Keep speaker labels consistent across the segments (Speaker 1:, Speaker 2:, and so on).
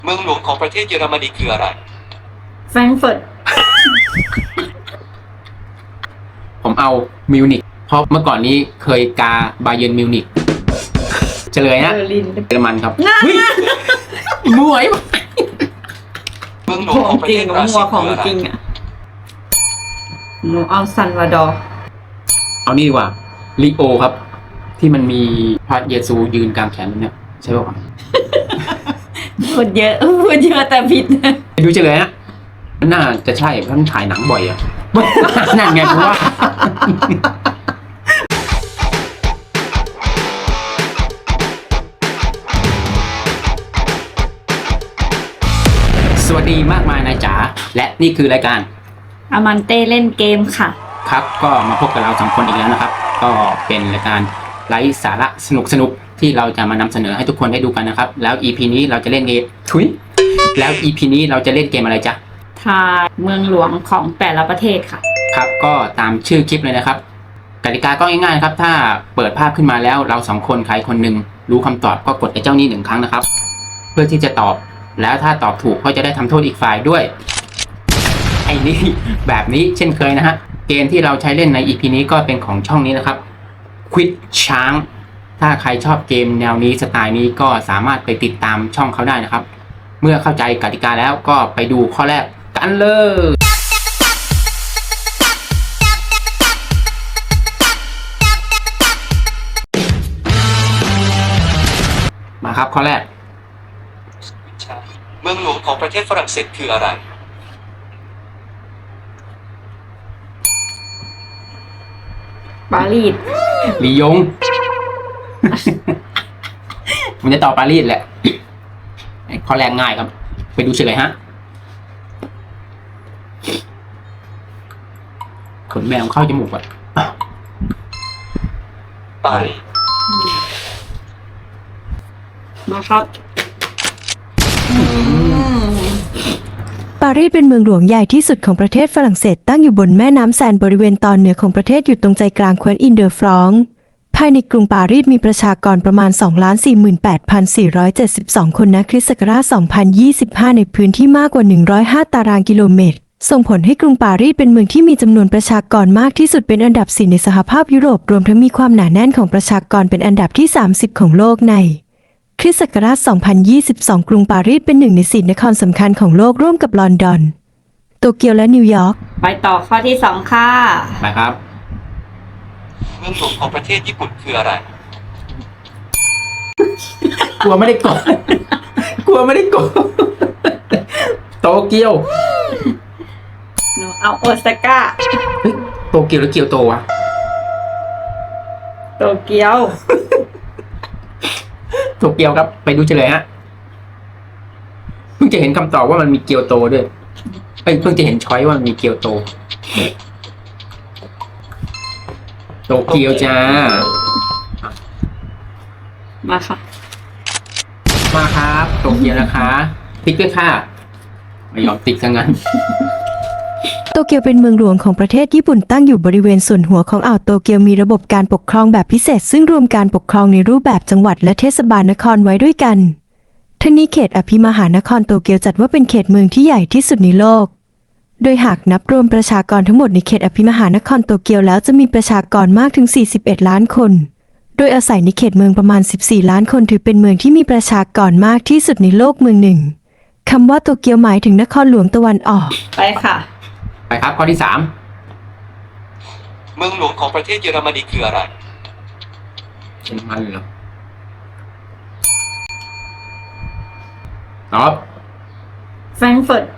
Speaker 1: เมืองหลวงของประเทศเยอรมนีคืออะไร
Speaker 2: แฟรงก์เฟิร์ต
Speaker 3: ผมเอามิวนิกเพราะเมื่อก่อนนี้เคยกาบาเยิร์นมิวนิกเฉลยนะ
Speaker 2: เบอร์ลิน
Speaker 3: เยอรมันครับเฮ้ยมวย
Speaker 1: เมืองหล
Speaker 2: ข
Speaker 1: วง
Speaker 2: อ
Speaker 1: ของ งประ
Speaker 2: จริ
Speaker 1: เท
Speaker 2: ง
Speaker 1: ศบรา
Speaker 2: มั
Speaker 1: ซิ
Speaker 2: ว
Speaker 1: ล
Speaker 2: ของ
Speaker 1: คืออะไร
Speaker 2: จริงอ่ะหนูเอาซันวาดอร์
Speaker 3: เอานี่ดีกว่าลิโอครับ ที่มันมีพระเยซูยืนกลางแขนแบบเนี้ยใช่ป่ะ
Speaker 2: พูดเยอะพูดเยอะแต่ผิดนะ
Speaker 3: ดูเฉลยนะมันน่าจะใช่เพราะมันถ่ายหนังบ่อยอะ นั่นไงเพราะว่า สวัสดีมากมายนายจ๋าและนี่คือรายการ
Speaker 2: อามันเต้เล่นเกมค่ะ
Speaker 3: ครับก็มาพบกับเราสองคนอีกแล้วนะครับ ก็เป็นรายการไร้สาระสนุกที่เราจะมานำเสนอให้ทุกคนได้ดูกันนะครับ แล้ว EP นี้เราจะเล่นเกมแล้ว EP นี้เราจะเล่นเกมอะไรจ๊ะ
Speaker 2: ทายเมืองหลวงของแต่ละประเทศค่ะ
Speaker 3: ครับก็ตามชื่อคลิปเลยนะครับกติกาก็ง่ายๆครับถ้าเปิดภาพขึ้นมาแล้วเราสองคนใครคนหนึ่งรู้คำตอบก็กดไอ้เจ้านี่1 ครั้งนะครับ เพื่อที่จะตอบแล้วถ้าตอบถูกก็จะได้ทำโทษอีกฝ่ายด้วยไอ้นี่ แบบนี้เช่นเคยนะฮะเกมที่เราใช้เล่นใน EP นี้ก็เป็นของช่องนี้นะครับ Quit ช้างถ้าใครชอบเกมแนวนี้สไตล์นี้ก็สามารถไปติดตามช่องเขาได้นะครับ เมื่อเข้าใจกติกาแล้วก็ไปดูข้อแรกกันเลยมาครับข้อแรก
Speaker 1: เมืองหลวงของประเทศฝรั่งเศสคืออะไร
Speaker 2: ปารีส
Speaker 3: ลียง ผมจะตอบปารีสแหละ ข้อแรกง่ายครับ ไปดูเฉลยฮะขนแมวเข้าจมูกอ่ะ
Speaker 1: ปารีส
Speaker 2: มาครับ
Speaker 4: ปารีสเป็นเมืองหลวงใหญ่ที่สุดของประเทศฝรั่งเศสตั้งอยู่บนแม่น้ำแซนบริเวณตอนเหนือของประเทศอยู่ตรงใจกลางแคว้นอินเดอร์ฟรองซ์ภายในกรุงปารีสมีประชากรประมาณ 248,472 คนณคริสต์ศักราช 2025 ในพื้นที่มากกว่า 105 ตารางกิโลเมตร ส่งผลให้กรุงปารีสเป็นเมืองที่มีจำนวนประชากรมากที่สุดเป็นอันดับ 4 ในสหภาพยุโรปรวมทั้งมีความหนาแน่นของประชากรเป็นอันดับที่ 30 ของโลกในคริสต์ศักราช 2022 กรุงปารีสเป็นหนึ่งใน4 นครสำคัญของโลกร่วมกับลอนดอน โตเกียวและนิวยอร์ก
Speaker 2: ไปต่อข้อที่2ค่ะ
Speaker 3: ไปครับ
Speaker 1: เมืองหลวงของประเทศญี่ปุ่นคืออะไร
Speaker 3: กลัวไม่ได้กด กลัวไม่ได้กด โตเกียว
Speaker 2: หนูเอาโอซาก้า
Speaker 3: เฮ้ย โตเกียวหรือเกียวโตวะ
Speaker 2: โตเกียว
Speaker 3: โตเกียวครับ ไปดูเฉลยฮะ เพิ่งจะเห็นคำตอบว่ามันมีเกียวโตด้วยเอ้ยเพิ่งจะเห็นช้อยว่ามันมีเกียวโต โตเกียวจ้า
Speaker 2: มาค่ะ
Speaker 3: มาครับโตเกียวนะคะ ติ๊กด้วยค่ะ ไม่ยอมติ๊กซะงั้น
Speaker 4: โตเกียวเป็นเมืองหลวงของประเทศญี่ปุ่นตั้งอยู่บริเวณส่วนหัวของอ่าวโตเกียวมีระบบการปกครองแบบพิเศษซึ่งรวมการปกครองในรูปแบบจังหวัดและเทศบาลนครไว้ด้วยกันทั้งนี้เขตอภิมหานครโตเกียวจัดว่าเป็นเขตเมืองที่ใหญ่ที่สุดในโลก โดยหากนับรวมประชากรทั้งหมดในเขตอภิมหานครโตเกียวแล้วจะมีประชากรมากถึง 41 ล้านคน โดยอาศัยในเขตเมืองประมาณ 14 ล้านคนถือเป็นเมืองที่มีประชากรมากที่สุดในโลกเมืองหนึ่งคำว่าโตเกียวหมายถึงนครหลวงตะวันออก
Speaker 2: ไปค่ะ
Speaker 3: ไปครับข้อที่ 3
Speaker 1: เมืองหลวงของประเทศเยอรมนีคืออะไร
Speaker 3: เช่นมันเหรอตอบ
Speaker 2: แฟรงก์เฟิร์ต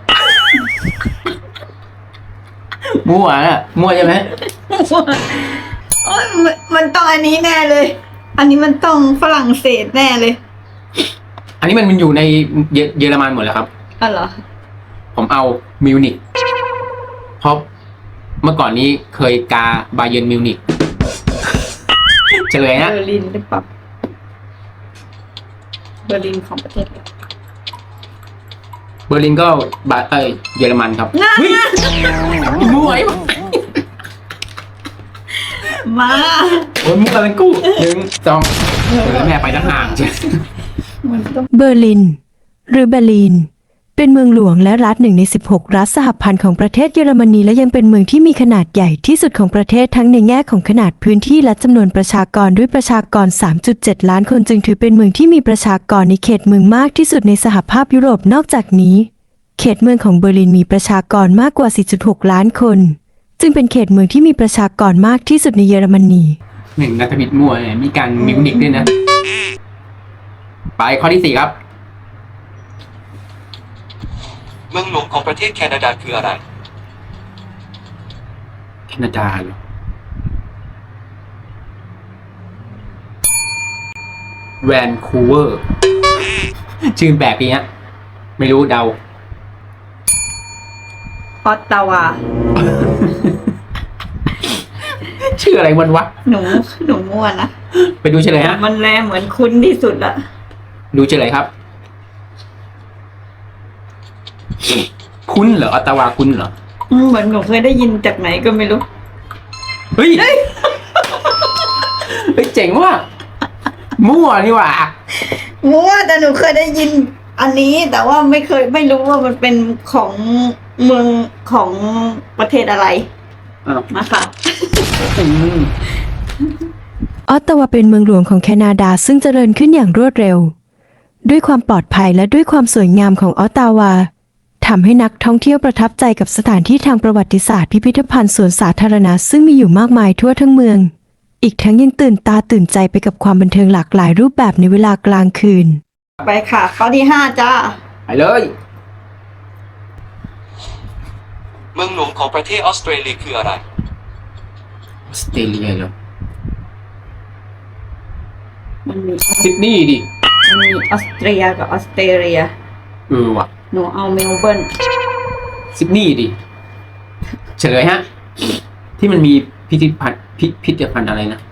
Speaker 3: มั่วน่ะมั่วใช่ไหม
Speaker 2: โอ้ยมันต้องอันนี้แน่เลย อันนี้มันต้องฝรั่งเศสแน่เลย
Speaker 3: อันนี้มันอยู่ในเยอรมันหมดแล้วครับ
Speaker 2: อ๋อเหรอ
Speaker 3: ผมเอามิวนิกเพราะเมื่อก่อนนี้เคยกาบาเยิร์นมิวนิกเฉลยนะ
Speaker 2: เบอร์ลินหรือเปล่าเบอร์ลินของประเทศอะไร
Speaker 3: เบอร์ลินก็เยอรมันครับเฮ้ยมั่วไอ้
Speaker 2: มา
Speaker 3: โอ้ยมั่วเป็นกู้1 2แม่ไปทั้งห่างใช่
Speaker 2: มันต้อง
Speaker 4: เบอร์ลินหรือเบอร์ลิน เป็นเมืองหลวงและรัฐหนึ่งใน 16 รัฐสหพันธ์ของประเทศเยอรมนีและยังเป็นเมืองที่มีขนาดใหญ่ที่สุดของประเทศทั้งในแง่ของขนาดพื้นที่และจำนวนประชากรด้วยประชากร 3.7 ล้านคนจึงถือเป็นเมืองที่มีประชากรในเขตเมืองมากที่สุดในสหภาพยุโรปนอกจากนี้เขตเมืองของเบอร์ลินมีประชากรมากกว่า 4.6 ล้านคนจึงเป็นเขตเมืองที่มีประชากรมากที่สุดในเยอรมนี
Speaker 3: หนึ่งนักบิดมั่วเนี่ยมีการมิวนิกด้วยนะ ไปข้อที่ 4 ครับ
Speaker 1: เมืองหลวงของประเทศแคนาดาคืออะไร
Speaker 3: แคนาดาเหรอแวนคูเวอร์ ชื่อแบบนี้ฮะไม่รู้เดา
Speaker 2: ออตตาวา
Speaker 3: ชื่ออะไรวันวะ
Speaker 2: หนูมั่วนะ
Speaker 3: ไปดูเฉลยฮะ
Speaker 2: มันแลเหมือนคุ้นที่สุดละ
Speaker 3: ดูเฉลยครับ คุ้นเหรอออตตาวาคุ้นเหรอ
Speaker 2: เหมือนหนูเคยได้ยินจากไหนก็ไม่รู้
Speaker 3: เฮ้ย เฮ้ยเจ๋งว่ะมั่วนี่หว่า
Speaker 2: มั่วแต่หนูเคยได้ยินอันนี้แต่ว่าไม่รู้ว่ามันเป็นของเมืองของประเทศอะไร
Speaker 3: อ้าว
Speaker 2: มาค่ะ
Speaker 3: อืม
Speaker 4: ออตตาวาเป็นเมืองหลวงของแคนาดาซึ่งเจริญขึ้นอย่างรวดเร็ว ด้วยความปลอดภัยและด้วยความสวยงามของออตตาวาทำให้นักท่องเที่ยวประทับใจกับสถานที่ทางประวัติศาสตร์พิพิธภัณฑ์สวนสาธารณะซึ่งมีอยู่มากมายทั่วทั้งเมือง อีกทั้งยังตื่นตาตื่นใจไปกับความบันเทิงหลากหลายรูปแบบในเวลากลางคืน
Speaker 2: ไปค่ะ ข้อที่ 5 จ้า
Speaker 3: ไปเลย
Speaker 1: เมืองหลวงของประเทศออสเตรเลียคืออะไร
Speaker 3: ออสเตรเลียเหรอ
Speaker 2: มันมี
Speaker 3: ซิดนีย์ดิ
Speaker 2: ออสเตรียกับออสเตรเลีย
Speaker 3: ว่ะ
Speaker 2: หนูเอาเมลเบิร์น
Speaker 3: ซิดนีย์ดิ เฉลยฮะ ที่มันมีพิพิธภัณฑ์พิพิธภัณฑ์อะไรนะ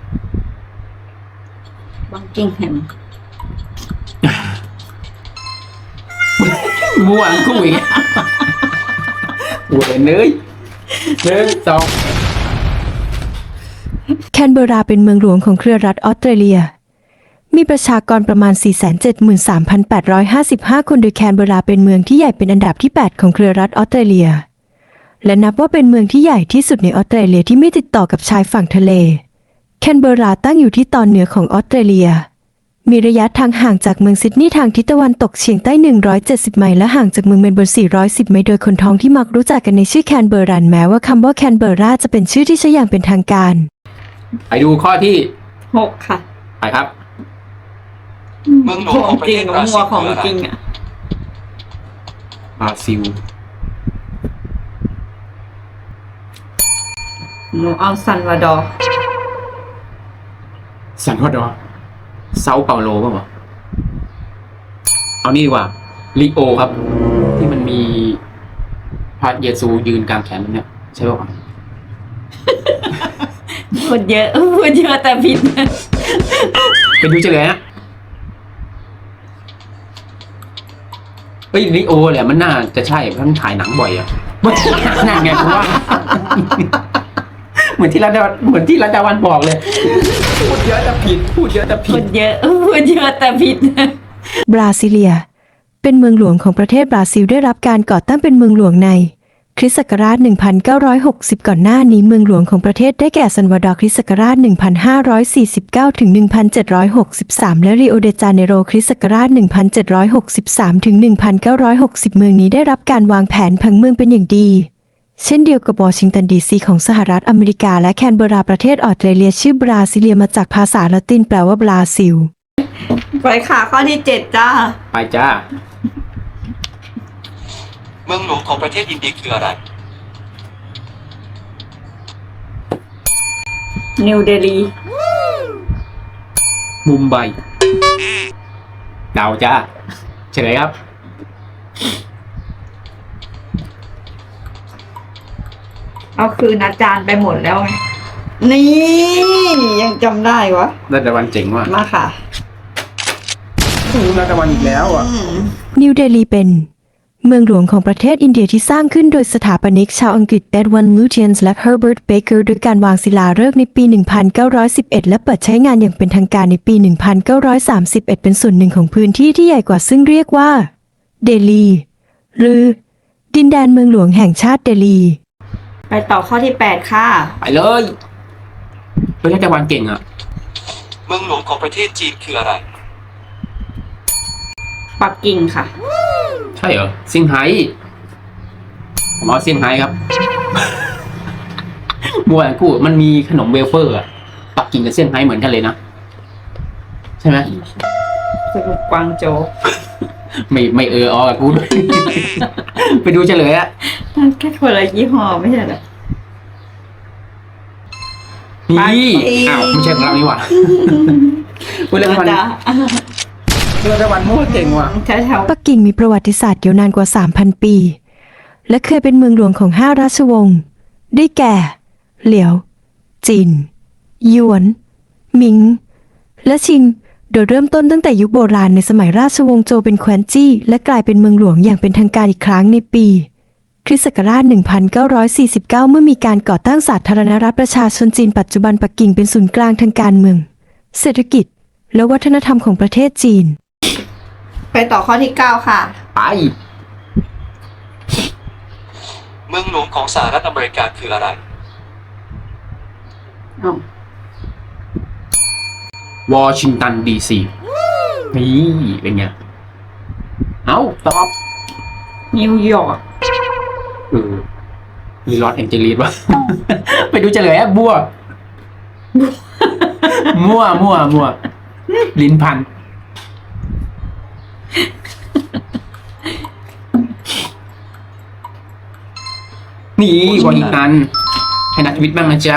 Speaker 2: บังกิงแฮม
Speaker 3: มั่วกุ้งอีกเวยเนย1 2
Speaker 4: แคนเบอร์ราเป็นเมืองหลวงของเครือรัฐออสเตรเลีย มีประชากรประมาณ 473,855 คนโดยแคนเบอร์ราเป็นเมืองที่ใหญ่เป็นอันดับที่ 8 ของเครือรัฐออสเตรเลีย และนับว่าเป็นเมืองที่ใหญ่ที่สุดในออสเตรเลียที่ไม่ติดต่อกับชายฝั่งทะเล แคนเบอร์ราตั้งอยู่ที่ตอนเหนือของออสเตรเลีย มีระยะทางห่างจากเมืองซิดนีย์ทางทิศตะวันตกเฉียงใต้ 170 ไมล์และห่างจากเมืองเมลเบิร์น 410 ไมล์โดยคนท้องที่มักรู้จักกันในชื่อแคนเบอร์รันแม้ว่าคำว่าแคนเบอร์ราจะเป็นชื่อที่ใช้อย่างเป็นทางการ
Speaker 3: ไปดูข้อที่
Speaker 2: 6 ค่ะ
Speaker 3: ไปครับ
Speaker 1: เมืองหลวงของประ
Speaker 2: จริ
Speaker 1: เท
Speaker 2: ง
Speaker 1: ศ
Speaker 2: กับบ
Speaker 1: รา
Speaker 2: มั
Speaker 1: ซิ
Speaker 2: ว
Speaker 1: ล
Speaker 2: ของ
Speaker 1: คืออะไร
Speaker 2: จริงอ่ะ
Speaker 3: บราซิล
Speaker 2: หนูเอาซันวาดอร์
Speaker 3: ซันวาดอร์เซาเปาโลป่ะวะเอานี่ดีกว่าลิโอครับ ที่มันมีพระเยซูยืนกลางแขนมันเนี่ย ใช่ป่ะวะ
Speaker 2: พูดเยอะแต่ผิด
Speaker 3: ไปดูเฉลยฮะเฮ้ยลิโอแหละมันน่าจะใช่เพราะมันถ่ายหนังบ่อยอะ นั่นไงผมว่า เหมือนที่รัตดาวันบอกเลย พูดเยอะแต่ผิด พูดเยอะแต่ผิ
Speaker 2: พู
Speaker 3: ด
Speaker 2: ดเยอะแต่ผิด
Speaker 4: บราซิเลีย เป็นเมืองหลวงของประเทศบราซิลได้รับการก่อตั้งเป็นเมืองหลวงในคริสต์ศักราช 1960 ก่อนหน้านี้เมืองหลวงของประเทศได้แก่ซันวาดอร์คริสต์ศักราช 1549 ถึง 1763 และริโอเดจาเนโรคริสต์ศักราช 1763 ถึง 1960 เมืองนี้ได้รับการวางแผนผังเมืองเป็นอย่างดี เช่นเดียวกับวอชิงตันดีซีของสหรัฐอเมริกาและแคนเบอร์ราประเทศออสเตรเลียชื่อบราซิเลียมาจากภาษาละตินแปลว่าบราซิล
Speaker 2: ไปค่ะ ข้อที่ 7 จ้า
Speaker 3: ไปจ้า
Speaker 1: เมืองหลวงของประเทศอินเดียคืออะไร
Speaker 2: นิวเดลี
Speaker 3: มุมไบเดาจ้าเฉลยครับ
Speaker 2: เอาคืนอาจารย์ไปหมดแล้วไง นี่ยังจำได้วะ
Speaker 3: รัตดาวันเจ๋งว่ะ
Speaker 2: มาค่ะ
Speaker 3: รัตดาวันอีกแล้วอ่ะ
Speaker 4: นิวเดลีเป็นเมืองหลวงของประเทศอินเดียที่สร้างขึ้นโดยสถาปนิกชาวอังกฤษเอ็ดวันด์ลูเทียนส์และเฮอร์เบิร์ตเบเกอร์โดยการวางศิลาฤกษ์ในปี 1911 และเปิดใช้งานอย่างเป็นทางการในปี 1931 เป็นส่วนหนึ่งของพื้นที่ที่ใหญ่กว่าซึ่งเรียกว่าเดลี หรือดินแดนเมืองหลวงแห่งชาติเดลี
Speaker 2: ไปต่อข้อที่ 8 ค่ะ
Speaker 3: ไปเลยเฮ้ยถ้าจะวันเก่งอ่ะ
Speaker 1: เมืองหลวงของประเทศจีนคืออะไร
Speaker 2: ปักกิ่งค่ะ
Speaker 3: ใช่เหรอเซี่ยงไฮ้ผมเอาเซี่ยงไฮ้ครับ มัวกูมันมีขนมเวเฟอร์อะปักกิ่งกับเซี่ยงไฮ้เหมือนกันเลยนะ ใช่ไหม
Speaker 2: สรุปกวางโจว
Speaker 3: ไม่กับกูด้วย ไปดูเฉลยอะ
Speaker 2: แค่คนละยี่ห้อไม่ใช่เหรอ
Speaker 3: นี่
Speaker 2: ไป
Speaker 3: อ้าวไม่ใช่ของเรานี่หว่าพูดเรื่องวัน
Speaker 2: จ้ะ
Speaker 3: เรื่องวันมั่วเก่งว่ะ
Speaker 2: แถว
Speaker 4: ปักกิ่งมีประวัติศาสตร์ยาวนานกว่า 3,000 ปี และเคยเป็นเมืองหลวงของ5 ราชวงศ์ ได้แก่ เหลียว จิน หยวน หมิง และชิง โดยเริ่มต้นตั้งแต่ยุคโบราณในสมัยราชวงศ์โจวเป็นแคว้นจี้ และกลายเป็นเมืองหลวงอย่างเป็นทางการอีกครั้งในปี คริสต์ศักราช 1949 เมื่อมีการก่อตั้งสาธารณรัฐประชาชนจีนปัจจุบันปักกิ่งเป็นศูนย์กลางทางการเมือง เศรษฐกิจ และวัฒนธรรมของประเทศจีน
Speaker 2: ๆไปต่อข้อที่ 9 ค่ะ
Speaker 3: ไป
Speaker 1: เมืองหลวงของสหรัฐอเมริกาคืออะไร
Speaker 3: วอชิงตันดีซีนี่เป็นไง เอาตอบ
Speaker 2: นิวยอร์ก
Speaker 3: มีลอสแองเจลิสวะ ไปดูเฉลยอะบัว มั่วลิ้นพัน นี่วอชิงตัน ให้นักชีวิตบ้างนะจ๊ะ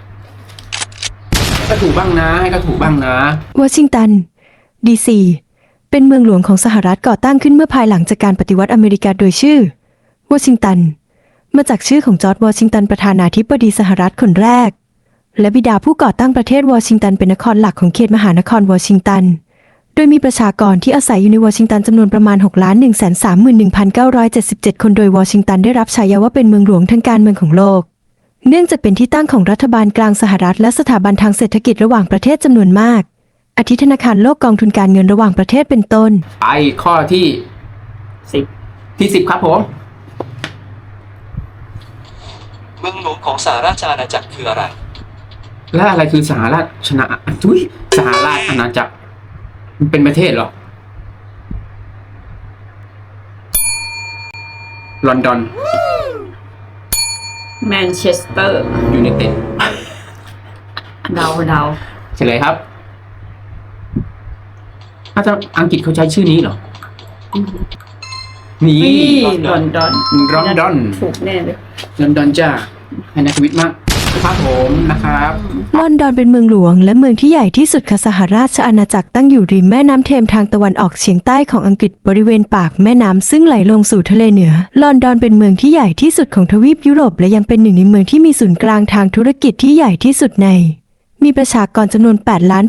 Speaker 3: ให้ก็ถูกบ้างนะ
Speaker 4: วอชิงตัน ดีซี เป็นเมืองหลวงของสหรัฐก่อตั้งขึ้นเมื่อภายหลังจากการปฏิวัติอเมริกาโดยชื่อ วอชิงตัน มาจากชื่อของจอร์จ วอชิงตันประธานาธิบดีสหรัฐคนแรก และบิดาผู้ก่อตั้งประเทศวอชิงตันเป็นนครหลักของเขตมหานครวอชิงตัน โดยมีประชากรที่อาศัยอยู่ในวอชิงตันจำนวนประมาณ 6,131,977 คนโดยวอชิงตันได้รับฉายาว่าเป็นเมืองหลวงทางการเมืองของโลก เนื่องจากเป็นที่ตั้งของรัฐบาลกลางสหรัฐและสถาบันทางเศรษฐกิจระหว่างประเทศจำนวนมาก อาทิธนาคารโลกกองทุนการเงินระหว่างประเทศเป็นต้น
Speaker 3: ไปข้อที่ 10 ครับผม
Speaker 1: เมืองหลวงของสหราชอาณาจักรคืออะไร
Speaker 3: แล้วอะไรคือสหราชสหราชอาณาจักรมันเป็นประเทศเหรอ ลอนดอน
Speaker 2: แมนเชสเตอร์
Speaker 3: ยูไนเต็ด
Speaker 2: เดา
Speaker 3: เฉลยครับถ้าอังกฤษเขาใช้ชื่อนี้เหรอ นี่
Speaker 2: ลอนดอน
Speaker 3: ลอนดอน
Speaker 2: ถูกแน่เลย
Speaker 3: ลอนดอนจ้าให้นักชีวิตมากครับผมนะครับ
Speaker 4: ลอนดอนเป็นเมืองหลวงและเมืองที่ใหญ่ที่สุดของสหราชอาณาจักรตั้งอยู่ริมแม่น้ำเทมส์ทางตะวันออกเฉียงใต้ของอังกฤษบริเวณปากแม่น้ำซึ่งไหลลงสู่ทะเลเหนือ ลอนดอนเป็นเมืองที่ใหญ่ที่สุดของทวีปยุโรปและยังเป็นหนึ่งในเมืองที่มีศูนย์กลางทางธุรกิจที่ใหญ่ที่สุดใน มีประชากรจำนวน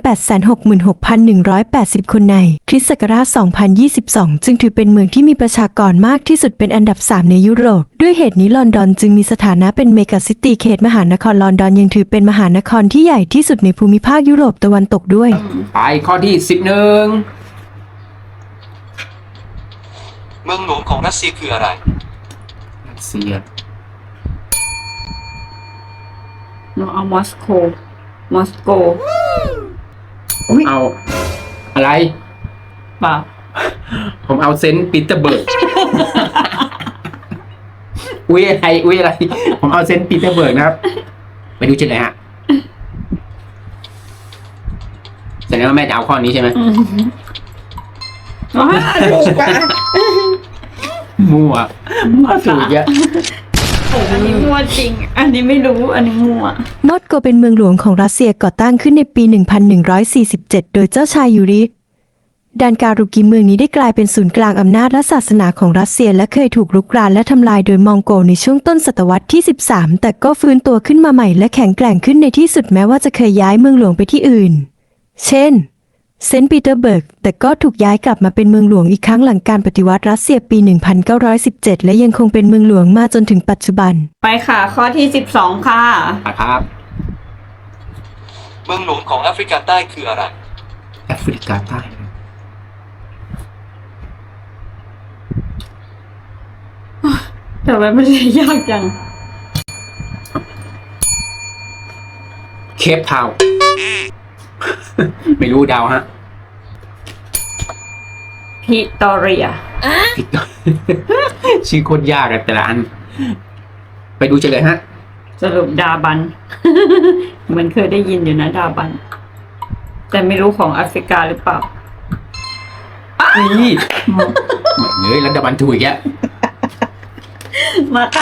Speaker 4: 8,866,180 คนในคริสต์ศักราช 2022 จึงถือเป็นเมืองที่มีประชากรมากที่สุดเป็นอันดับ 3 ในยุโรป ด้วยเหตุนี้ลอนดอนจึงมีสถานะเป็นเมกะซิตี้เขตมหานครลอนดอนยังถือเป็นมหานครที่ใหญ่ที่สุดในภูมิภาคยุโรปตะวันตกด้วย
Speaker 3: ไปข้อที่ 11
Speaker 1: เมืองหลวงของรัสเซียคืออะไร
Speaker 3: รัสเซีย
Speaker 2: หนูเอามอสโก
Speaker 3: ผมเอาอะไร
Speaker 2: เปล่า
Speaker 3: ผมเอาเซนต์ปีเตอร์เบิร์ก อุ้ยอะไร ผมเอาเซนต์ปีเตอร์เบิร์กนะครับ ไปดูเฉลยฮะแสดงว่าแม่จะเอาข้อนี้ใช่ไหม
Speaker 2: ว้าถูกปะ
Speaker 3: มั่วถูกเยอะ
Speaker 2: อันนี้มั่วจริง อันนี้ไม่รู้ อันนี้มั่ว
Speaker 4: มอสโกเป็นเมืองหลวงของรัสเซียก่อตั้งขึ้นในปี 1147 โดยเจ้าชายยูริดานการุกิเมืองนี้ได้กลายเป็นศูนย์กลางอำนาจและศาสนาของรัสเซียและเคยถูกรุกรานและทำลายโดยมองโกในช่วงต้นศตวรรษที่ 13 แต่ก็ฟื้นตัวขึ้นมาใหม่และแข็งแกร่งขึ้นในที่สุดแม้ว่าจะเคยย้ายเมืองหลวงไปที่อื่น เช่น เซนต์ปีเตอร์เบิร์กแต่ก็ถูกย้ายกลับมาเป็นเมืองหลวงอีกครั้งหลังการปฏิวัติรัสเซียปี 1917 และยังคงเป็นเมืองหลวงมาจนถึงปัจจุบัน
Speaker 2: ไปค่ะ ข้อที่ 12 ค่ะ
Speaker 3: ครับ
Speaker 1: เมืองหลวงของแอฟริกาใต้คืออะไร
Speaker 3: แอฟริกาใต้
Speaker 2: แต่ว่ามันเลยยากจัง
Speaker 3: เคปทาวน์ ไม่รู้เดาวฮะ
Speaker 2: พิตอเรีย
Speaker 3: ผิด ชื่อโคตรยากอะแต่ละอัน ไปดูเฉลยฮะ
Speaker 2: สรุปดาบัน เหมือนเคยได้ยินอยู่นะดาบัน แต่ไม่รู้ของแอฟริกาหรือเปล่า
Speaker 3: นี่เหมือนเลยแล้วดับบันถูกอีกแล้ว
Speaker 2: มาค่ะ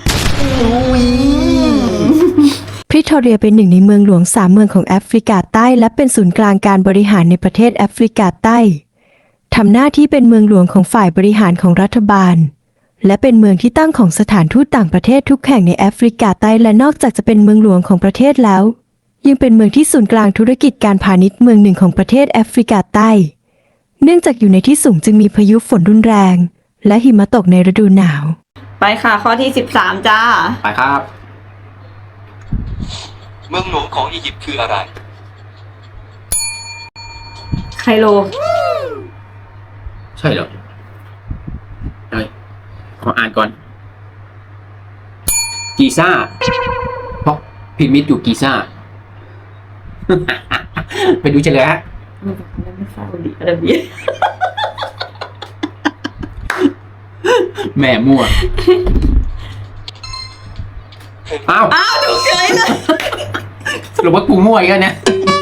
Speaker 4: พริโทเรียเป็นหนึ่งในเมืองหลวง3 เมืองของแอฟริกาใต้และเป็นศูนย์กลางการบริหารในประเทศแอฟริกาใต้ทำหน้าที่เป็นเมืองหลวงของฝ่ายบริหารของรัฐบาลและเป็นเมืองที่ตั้งของสถานทูตต่างประเทศทุกแห่งในแอฟริกาใต้และนอกจากจะเป็นเมืองหลวงของประเทศแล้วยังเป็นเมืองที่ศูนย์กลางธุรกิจการพาณิชย์เมืองหนึ่งของประเทศแอฟริกาใต้เนื่องจากอยู่ในที่สูงจึงมีพายุฝนรุนแรงและหิมะตกในฤดูหนาว
Speaker 2: ไปค่ะข้อที่13จ้า
Speaker 3: ไปครับ
Speaker 1: เมืองหลวงของอียิปต์คืออะไร
Speaker 2: ไคโร
Speaker 3: ใช่เหรอเฮ้ยขออ่านก่อน กีซ่า เพราะพีระมิดอยู่กีซ่า ไปดูเฉลยฮะ
Speaker 2: ไม่ซาอุดิอาระเบีย
Speaker 3: แม่มั่ว อ้าว
Speaker 2: อ้าวถูกเฉยเลย
Speaker 3: สรุปว่ากูมั่วอีกแล้วนะ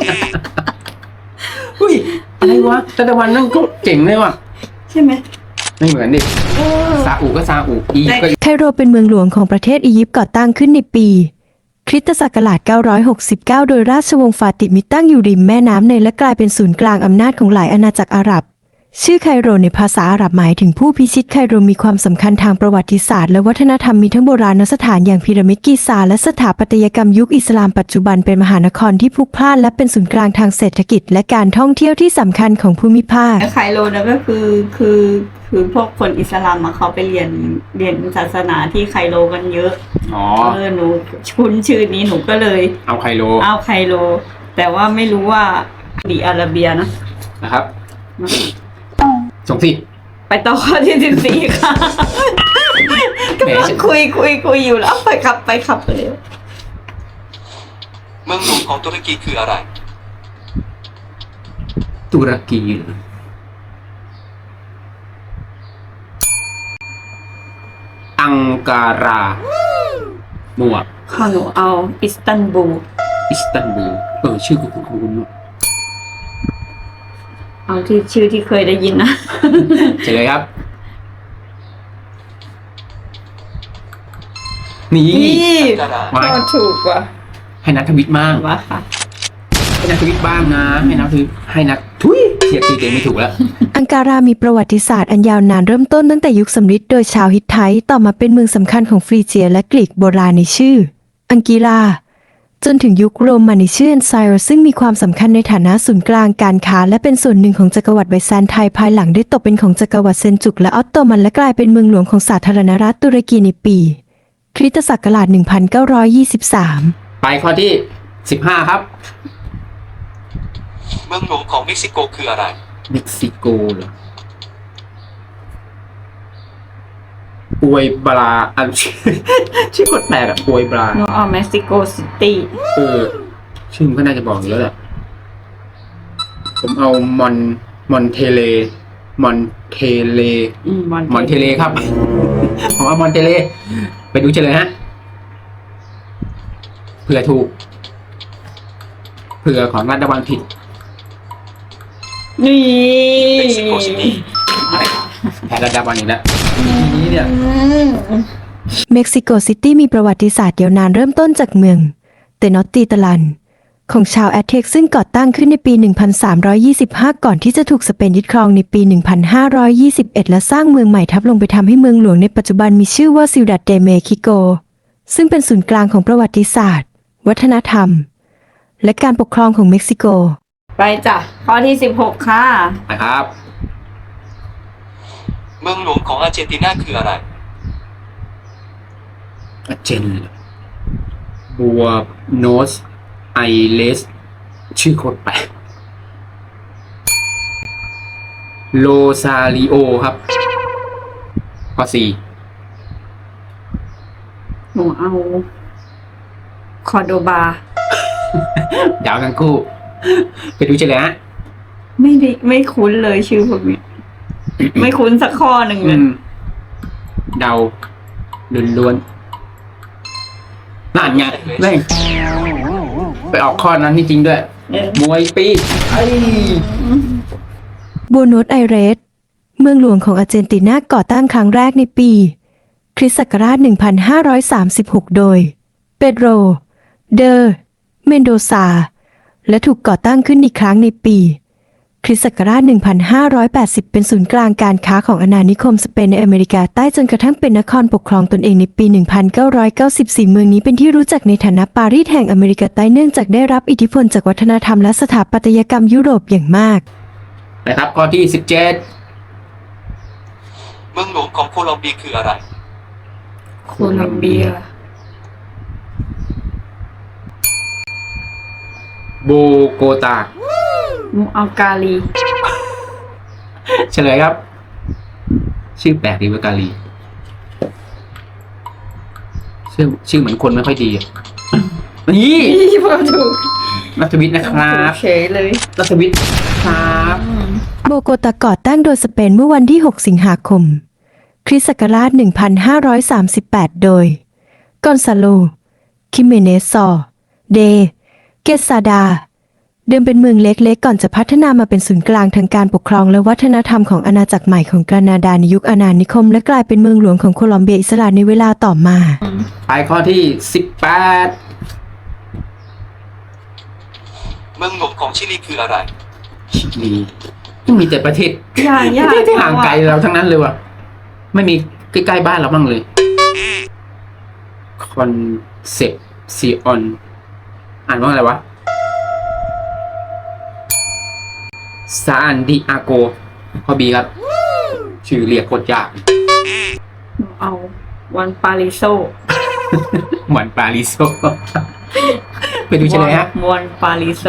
Speaker 3: อุ้ย อะไรวะแต่ตะวันนั่นก็เจ๋งเลยว่ะ
Speaker 2: ใช่ไหม
Speaker 3: ไม่เหมือนดิ ซาอุก็ซาอุอียิปต์ก็
Speaker 4: ไคโรเป็นเมืองหลวงของประเทศอียิปต์ก่อตั้งขึ้นในปี คริสตศักราช 969 โดยราชวงศ์ฟาติมิดตั้งอยู่ริมแม่น้ำไนล์และกลายเป็นศูนย์กลางอำนาจของหลายอาณาจักรอาหรับ ชื่อไคโรในภาษาอาหรับหมายถึงผู้พิชิตไคโรมีความสำคัญทางประวัติศาสตร์และวัฒนธรรมมีทั้งโบราณสถานอย่างพีระมิดกิซาและสถาปัตยกรรมยุคอิสลามปัจจุบันเป็นมหานครที่พลุกพล่านและเป็นศูนย์กลางทางเศรษฐกิจและการท่องเที่ยวที่สำคัญของภูมิภาค
Speaker 2: ไคโรนะก็คือพวกคนอิสลามมาเขาไปเรียนศาสนาที่ไคโรกันเยอะ
Speaker 3: อ๋อ
Speaker 2: หนูคุ้นชื่อนี้หนูก็เลย
Speaker 3: เอาไคโล
Speaker 2: เอาไคโรแต่ว่าไม่รู้ว่าซาอุดิอาระเบียนะ
Speaker 3: นะครับ ส่งสิ
Speaker 2: ไปต่อข้อที่14ค่ะกำลังคุยอยู่แล้วไปขับไปเร็ว
Speaker 1: เมืองหลวงของตุรกีคืออะไร
Speaker 3: ตุรกีเหรออังการามัว
Speaker 2: ข้อหนูเอาอิสตันบูล
Speaker 3: อิสตันบูลชื่อคุณ
Speaker 2: เอาที่ชื่อที่เคยได้ยินนะ
Speaker 3: เฉลยครับ นี่
Speaker 1: ดารา
Speaker 3: มา
Speaker 2: ก็ถูกว่ะ
Speaker 3: ให้นักทวิตบ้าง
Speaker 2: ว่าค่ะ
Speaker 3: ให้นักทวิตบ้างนะ ให้นักทุยเสียชื่อตัวเองไม่ถูกแล้ว
Speaker 4: อังการามีประวัติศาสตร์อันยาวนานเริ่มต้นตั้งแต่ยุคสำริดโดยชาวฮิตไทต์ต่อมาเป็นเมืองสำคัญของฟรีเจียและกรีกโบราณในชื่อ อังกีราจนถึงยุคโรมันในชื่อแอนไซร์ซึ่งมีความสำคัญในฐานะศูนย์กลางการค้าและเป็นส่วนหนึ่งของจักรวรรดิไบแซนไทน์ภายหลังได้ตกเป็นของจักรวรรดิเซลจุกและออตโตมันและกลายเป็นเมืองหลวงของสาธารณรัฐตุรกีในปี คริสตศักราช 1923
Speaker 3: ไปข้อที่ 15 ครับ
Speaker 1: เมืองหลวงของเม็กซิโกคืออะไร
Speaker 3: เม็กซิโกเหรอปวยบราอัน ชื่อโคตรแปลกอะปวยบรา
Speaker 2: หนูเอาเม็กซิโกซิตี้
Speaker 3: ชื่อมันก็น่าจะบอกอยู่แล้วแหละ ผมเอามอนเทเลมอนเทเลครับ ผมเอามอนเทเล ไปดูเฉลยฮะ เผื่อถูก เผื่อของรัฐบาลผิด
Speaker 2: นี่
Speaker 1: เม็กซิโกซิตี้
Speaker 3: แพ้รัฐบาลอีกแล้วทีนี้เนี่ย
Speaker 4: เม็กซิโกซิตี้มีประวัติศาสตร์ยาวนานเริ่มต้นจากเมืองเตนอตติตาลันของชาวแอตเทกซึ่งก่อตั้งขึ้นในปี 1325 ก่อนที่จะถูกสเปนยึดครองในปี 1521 และสร้างเมืองใหม่ทับลงไปทำให้เมืองหลวงในปัจจุบันมีชื่อว่าซิวดัดเดเมคิโกซึ่งเป็นศูนย์กลางของประวัติศาสตร์ วัฒนธรรม และการปกครองของเม็กซิโก
Speaker 2: ไปจ้ะข้อที่16ค่ะ
Speaker 3: นะครับ
Speaker 1: เมืองหลวงของอาร์เจนตินาคืออะไร
Speaker 3: เจนบัวโนสไอเลสชื่อโคตรแปลกโลซาริโอครับข้อ4
Speaker 2: หนูเอาคอร์โดบา
Speaker 3: เดาวทั้งคู่ ไปดูเฉลยฮะ
Speaker 2: ไม่คุ้นเลยชื่อพวกนี้ ไม่คุ้นสักข้อหนึ่งเลย
Speaker 3: เดาล้วนๆนั่นไงแม่งไปออกข้อนั้นจริงๆด้วย มวยปีไอ้
Speaker 4: โบโนสไอเรส เมืองหลวงของอาร์เจนตินาก่อตั้งครั้งแรกในปี คริสต์ศักราช 1536 โดย เปโดร เดอ เมนโดซา และถูกก่อตั้งขึ้นอีกครั้งในปี คริสต์ศักราช 1580 เป็นศูนย์กลางการค้าของอาณานิคมสเปนในอเมริกาใต้จนกระทั่งเป็นนครปกครองตนเองในปี 1994 เมืองนี้เป็นที่รู้จักในฐานะปารีสแห่งอเมริกาใต้เนื่องจากได้รับอิทธิพลจากวัฒนธรรมและสถาปัตยกรรมยุโรปอย่างมาก
Speaker 3: นะครับข้อที่ 17
Speaker 1: เมืองหลวงของโคลอมเบียคืออะไร
Speaker 2: โคลอมเบีย
Speaker 3: โบโกตา
Speaker 2: หนูเอากาลี
Speaker 3: เฉลยครับ ชื่อแปลกดีเวกาลีชื่อเหมือนคนไม่ค่อยดีอะนี่
Speaker 2: พอถูก
Speaker 3: นัทวิทย์นะครับ
Speaker 2: เฉยเลย
Speaker 3: นัทวิทย์ครับ
Speaker 4: โบโกตาก่อตั้งโดยสเปนเมื่อวันที่ 6 สิงหาคม คริสต์ศักราช 1538 โดย กอนซาโล คิเมเนสซอ เด เกซาดา เดิมเป็นเมืองเล็กๆ ก่อนจะพัฒนามาเป็นศูนย์กลางทางการปกครองและวัฒนธรรมของอาณาจักรใหม่ของกรานาดาในยุคอาณานิคมและกลายเป็นเมืองหลวงของโคลอมเบียอิสระในเวลาต่อมา
Speaker 3: ไปข้อที่ 18
Speaker 1: เมืองหลวงของชิลีคืออะไร
Speaker 3: ชิลีมีแต่ประเทศ
Speaker 2: ยากยาก
Speaker 3: ที่ห่างไกลเราทั้งนั้นเลยว่ะ ไม่มีใกล้ๆบ้านเราบ้างเลย คอนเซปซิออน อ่านว่าอะไรวะ ซานดิอาโก ข้อบีครับ ชื่อเรียกโคตรยาก
Speaker 2: หนูเอาวันปาริโซ
Speaker 3: เหมือนปาริโซ ไปดูเฉลยฮะ
Speaker 2: วันปาริโซ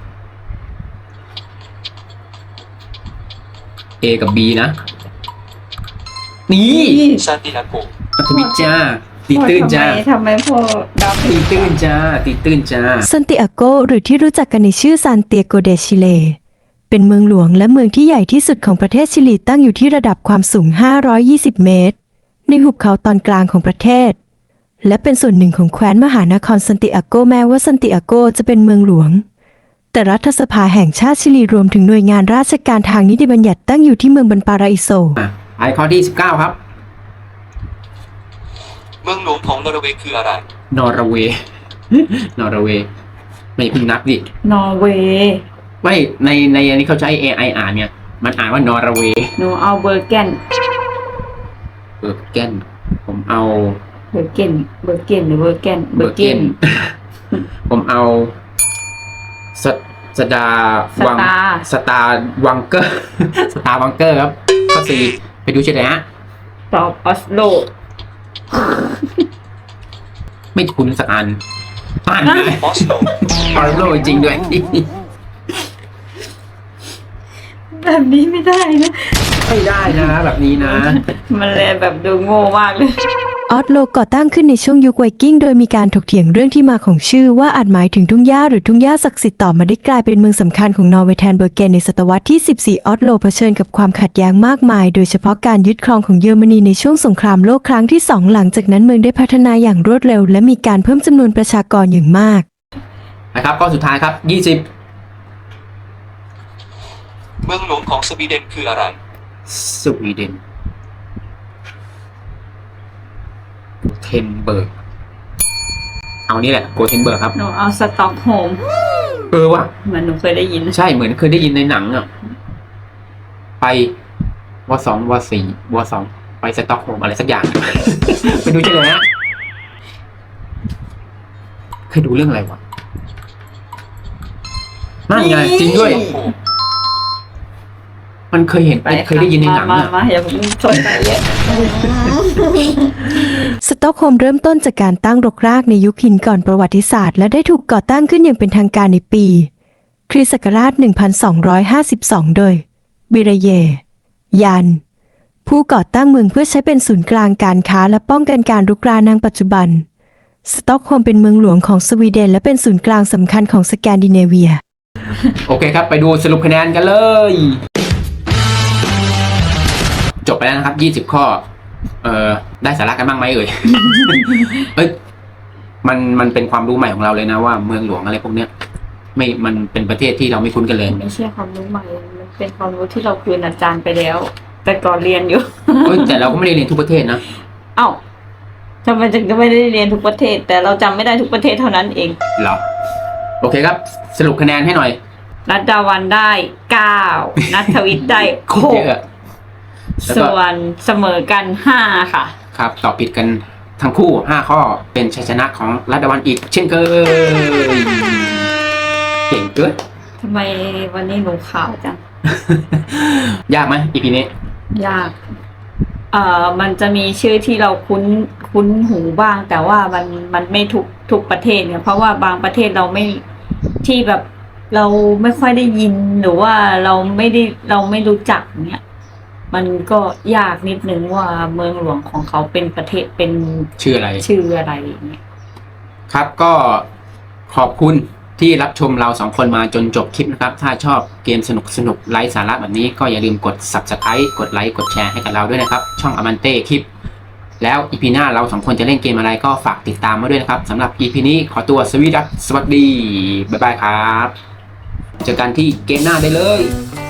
Speaker 3: A กับ B นะ นี่
Speaker 1: ซานติอาโก
Speaker 3: นัทวิทย์จ้า ตีตื้นจ้า
Speaker 2: ทำไมพ่อดับ
Speaker 3: ตีตื้นจ้า ตีตื้นจ้า
Speaker 4: ซันติอาโกหรือที่รู้จักกันในชื่อซานเตียโกเดชิเล เป็นเมืองหลวงและเมืองที่ใหญ่ที่สุดของประเทศชิลีตั้งอยู่ที่ระดับความสูง 520 เมตร ในหุบเขาตอนกลางของประเทศ และเป็นส่วนหนึ่งของแคว้นมหานครซันติอาโกแม้ว่าซันติอาโกจะเป็นเมืองหลวง แต่รัฐสภาแห่งชาติชิลีรวมถึงหน่วยงานราชการทางนิติบัญญัติตั้งอยู่ที่เมืองบันปาราอิโซ
Speaker 3: ไปข้อที่ 19 ครับ
Speaker 1: เมืองหลวงของนอร์เวย์คืออะไร
Speaker 3: นอร์เวย์ นอร์เวย์ ไม่เพิ่งนับดิ
Speaker 2: นอร์เวย์
Speaker 3: ไม่ในอันนี้เขาใช้ AI อ่านเนี่ย มันอ่านว่านอร์เวย์
Speaker 2: หนูเอาเบอร์แกน
Speaker 3: เบอร์เกนผมเอา
Speaker 2: เบอร์เกนหรือเบอร์แกน
Speaker 3: เบอร์เกน ผมเอาสสดาวังสตาร์วังเกอร์ สตาร์วังเกอร์ครับข้อสี่ไปดูเฉลยฮะ
Speaker 2: ตอบออสโล
Speaker 3: ไม่คุ้นสักอันอ่านเลย
Speaker 1: ออสโล
Speaker 3: ออร์โลจริงด้วย
Speaker 2: แบบนี้ไม่ได้นะ
Speaker 3: ไม่ได้นะแบบนี้นะ
Speaker 2: มันเลยแบบดูโง่มากเลย
Speaker 4: ออสโลก่อตั้งขึ้นในช่วงยุคไวกิ้งโดยมีการถกเถียงเรื่องที่มาของชื่อว่าอาจหมายถึงทุ่งหญ้าหรือทุ่งหญ้าศักดิ์สิทธิ์ต่อมาได้กลายเป็นเมืองสำคัญของนอร์เวย์แทนเบอร์เกนในศตวรรษที่ 14 ออสโลเผชิญกับความขัดแย้งมากมายโดยเฉพาะการยึดครองของเยอรมนีในช่วงสงครามโลกครั้งที่ 2 หลังจากนั้นเมืองได้พัฒนาอย่างรวดเร็วและมีการเพิ่มจำนวนประชากรอย่างมาก
Speaker 3: นะครับข้อสุดท้ายครับ
Speaker 1: เมืองหลวงของสวีเดนคืออะไร
Speaker 3: 20 สวีเดนเทนเบิร์ก เอานี่แหละโกเทนเบิร์กครับ
Speaker 2: หนูเอาสต็อกโฮล์ม
Speaker 3: ว่ะ
Speaker 2: เหมือนหนูเคยได้ยิน
Speaker 3: ใช่เหมือนเคยได้ยินในหนังอ่ะ ไปว.2 ไปสต็อกโฮล์มอะไรสักอย่าง ไปดูเฉลยฮะเคยดูเรื่องอะไรวะนั่นไงจริงด้วย มันเคยเห็นเคยได้ยินในหนังอ่ะ
Speaker 2: มาอย่าเพิ่งสนใจเยอะ
Speaker 4: สต็อกโฮล์มเริ่มต้นจากการตั้งรกรากในยุคหินก่อนประวัติศาสตร์และได้ถูกก่อตั้งขึ้นอย่างเป็นทางการในปี คริสต์ศักราช 1252 โดย บิเรเย ยัน ผู้ก่อตั้งเมืองเพื่อใช้เป็นศูนย์กลางการค้าและป้องกันการรุกรานในปัจจุบันสต็อกโฮล์มเป็นเมืองหลวงของสวีเดนและเป็นศูนย์กลางสำคัญของสแกนดิเนเวีย
Speaker 3: โอเคครับ ไปดูสรุปคะแนนกันเลย จบไปแล้วนะครับ20 ข้อ ได้สาระกันบ้างไหมเอ่ย เอ้ยมันเป็นความรู้ใหม่ของเราเลยนะว่าเมืองหลวงอะไรพวกเนี้ยมันเป็นประเทศที่เราไม่คุ้นกันเลย
Speaker 2: ไม่ใช่ความรู้ใหม่ มันเป็นความรู้ที่เราคืนอาจารย์ไปแล้ว แต่ก่อนเรียนอยู่
Speaker 3: เอ้ยแต่เราก็ไม่ได้เรียนทุกประเทศนะ
Speaker 2: เอ้าทำไมถึงจะไม่ได้เรียนทุกประเทศ แต่เราจำไม่ได้ทุกประเทศเท่านั้นเอง
Speaker 3: เหรอ โอเคครับ สรุปคะแนนให้หน่อย
Speaker 2: รัตดาวันได้ 9 นัทวิทย์ได้
Speaker 3: โคตรเยอะ แล้วก็
Speaker 2: 6 ส่วนเสมอกัน 5 ค่ะ
Speaker 3: ครับตอบผิดกันทั้งคู่ 5 ข้อเป็นชัยชนะของรัตดาวันอีกเช่นเคยเก่งเกิน
Speaker 2: ทำไมวันนี้หนูขาวจัง
Speaker 3: ยากไหมอีพีนี้
Speaker 2: ยาก มันจะมีชื่อที่เราคุ้นหูบ้าง แต่ว่ามันไม่ทุกประเทศเนี่ย เพราะว่าบางประเทศเราไม่ที่แบบเราไม่ค่อยได้ยินหรือว่าเราไม่รู้จักเนี่ย มันก็ยากนิดนึงว่าเมืองหลวงของเขาเป็นประเทศเป็น
Speaker 3: ชื่ออะไร
Speaker 2: ชื่ออะไรอย่างเงี้ย
Speaker 3: ครับก็ขอบคุณที่รับชมเราสองคนมาจนจบคลิปนะครับ ถ้าชอบเกมสนุกไร้สาระแบบนี้ก็อย่าลืมกด Subscribe กดไลค์กดแชร์ให้กับเราด้วยนะครับ ช่องอมันเต้คลิป แล้วอีพีหน้าเราสองคนจะเล่นเกมอะไรก็ฝากติดตามมาด้วยนะครับสำหรับอีพีนี้ขอตัวสวัสดี บ๊ายบายครับ เจอกันที่เกมหน้าได้เลย